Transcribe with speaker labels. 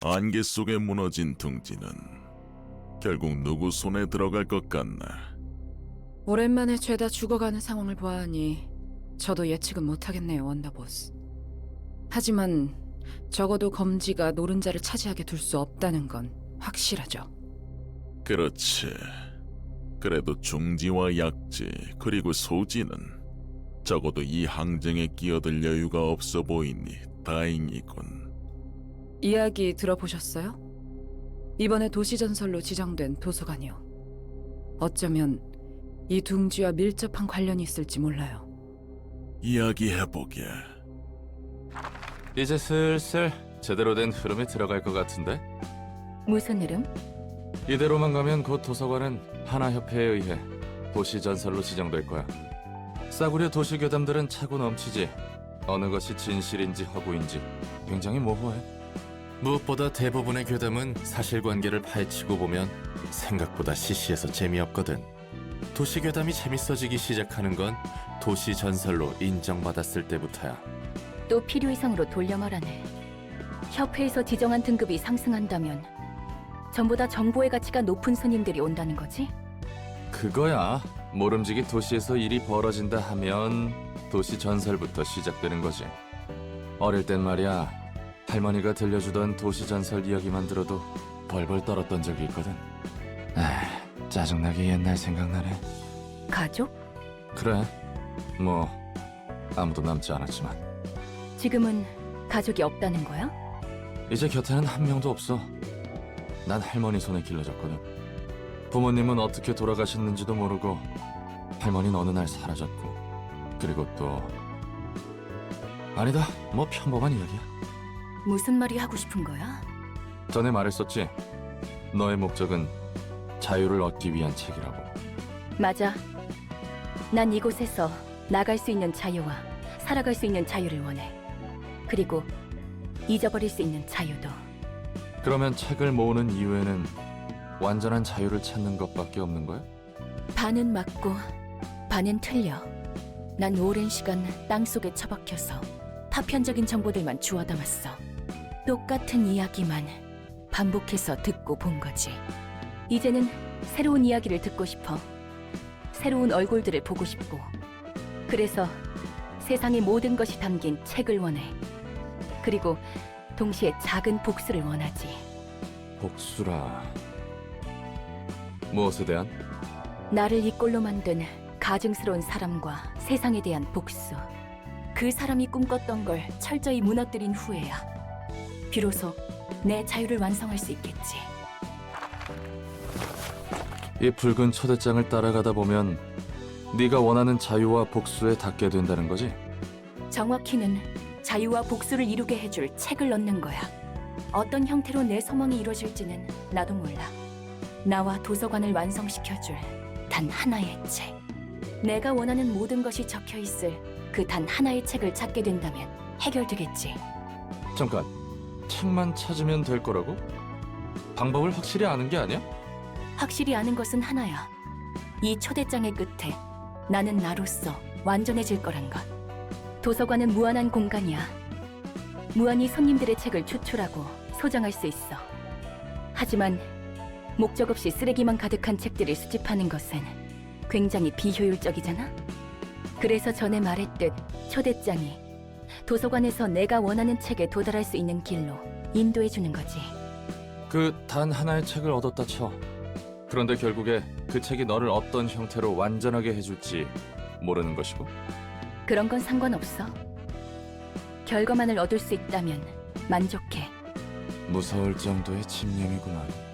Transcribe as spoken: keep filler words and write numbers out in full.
Speaker 1: 안개 속에 무너진 둥지는 결국 누구 손에 들어갈 것 같나?
Speaker 2: 오랜만에 죄다 죽어가는 상황을 보아하니 저도 예측은 못하겠네요, 원더보스. 하지만 적어도 검지가 노른자를 차지하게 둘 수 없다는 건 확실하죠.
Speaker 1: 그렇지. 그래도 중지와 약지 그리고 소지는 적어도 이 항쟁에 끼어들 여유가 없어 보이니 다행이군.
Speaker 2: 이야기 들어보셨어요? 이번에 도시전설로 지정된 도서관이요. 어쩌면 이 둥지와 밀접한 관련이 있을지 몰라요.
Speaker 1: 이야기해보게.
Speaker 3: 이제 슬슬 제대로 된 흐름에 들어갈 것 같은데?
Speaker 4: 무슨 흐름?
Speaker 3: 이대로만 가면 곧 도서관은 하나협회에 의해 도시전설로 지정될 거야. 싸구려 도시괴담들은 차고 넘치지. 어느 것이 진실인지 허구인지 굉장히 모호해. 무엇보다 대부분의 괴담은 사실관계를 파헤치고 보면 생각보다 시시해서 재미없거든. 도시괴담이 재밌어지기 시작하는 건 도시전설로 인정받았을 때부터야.
Speaker 4: 또 필요 이상으로 돌려 말하네. 협회에서 지정한 등급이 상승한다면 전보다 정보의 가치가 높은 손님들이 온다는 거지?
Speaker 3: 그거야. 모름지기 도시에서 일이 벌어진다 하면 도시전설부터 시작되는 거지. 어릴 땐 말이야, 할머니가 들려주던 도시전설 이야기만 들어도 벌벌 떨었던 적이 있거든. 아, 짜증나게 옛날 생각나네.
Speaker 4: 가족?
Speaker 3: 그래, 뭐 아무도 남지 않았지만
Speaker 4: 지금은 가족이 없다는 거야?
Speaker 3: 이제 곁에는 한 명도 없어. 난 할머니 손에 길러졌거든. 부모님은 어떻게 돌아가셨는지도 모르고 할머니는 어느 날 사라졌고, 그리고 또 아니다, 뭐 평범한 이야기야.
Speaker 4: 무슨 말이 하고 싶은 거야?
Speaker 3: 전에 말했었지. 너의 목적은 자유를 얻기 위한 책이라고.
Speaker 4: 맞아. 난 이곳에서 나갈 수 있는 자유와 살아갈 수 있는 자유를 원해. 그리고 잊어버릴 수 있는 자유도.
Speaker 3: 그러면 책을 모으는 이유에는 완전한 자유를 찾는 것밖에 없는 거야?
Speaker 4: 반은 맞고 반은 틀려. 난 오랜 시간 땅속에 처박혀서 파편적인 정보들만 주워 담았어. 똑같은 이야기만 반복해서 듣고 본 거지. 이제는 새로운 이야기를 듣고 싶어. 새로운 얼굴들을 보고 싶고. 그래서 세상의 모든 것이 담긴 책을 원해. 그리고 동시에 작은 복수를 원하지.
Speaker 3: 복수라. 무엇에 대한?
Speaker 4: 나를 이 꼴로 만든 가증스러운 사람과 세상에 대한 복수. 그 사람이 꿈꿨던 걸 철저히 무너뜨린 후에야 비로소 내 자유를 완성할 수 있겠지.
Speaker 3: 이 붉은 초대장을 따라가다 보면 네가 원하는 자유와 복수에 닿게 된다는 거지?
Speaker 4: 정확히는 자유와 복수를 이루게 해줄 책을 넣는 거야. 어떤 형태로 내 소망이 이루어질지는 나도 몰라. 나와 도서관을 완성시켜줄 단 하나의 책. 내가 원하는 모든 것이 적혀있을 그 단 하나의 책을 찾게 된다면 해결되겠지.
Speaker 3: 잠깐, 책만 찾으면 될 거라고? 방법을 확실히 아는 게 아니야?
Speaker 4: 확실히 아는 것은 하나야. 이 초대장의 끝에 나는 나로서 완전해질 거란 것. 도서관은 무한한 공간이야. 무한히 손님들의 책을 추출하고 소장할 수 있어. 하지만 목적 없이 쓰레기만 가득한 책들을 수집하는 것은 굉장히 비효율적이잖아? 그래서 전에 말했듯 초대장이 도서관에서 내가 원하는 책에 도달할 수 있는 길로 인도해주는 거지.
Speaker 3: 그 단 하나의 책을 얻었다 쳐. 그런데 결국에 그 책이 너를 어떤 형태로 완전하게 해줄지 모르는 것이고.
Speaker 4: 그런 건 상관없어. 결과만을 얻을 수 있다면 만족해.
Speaker 3: 무서울 정도의 집념이구만.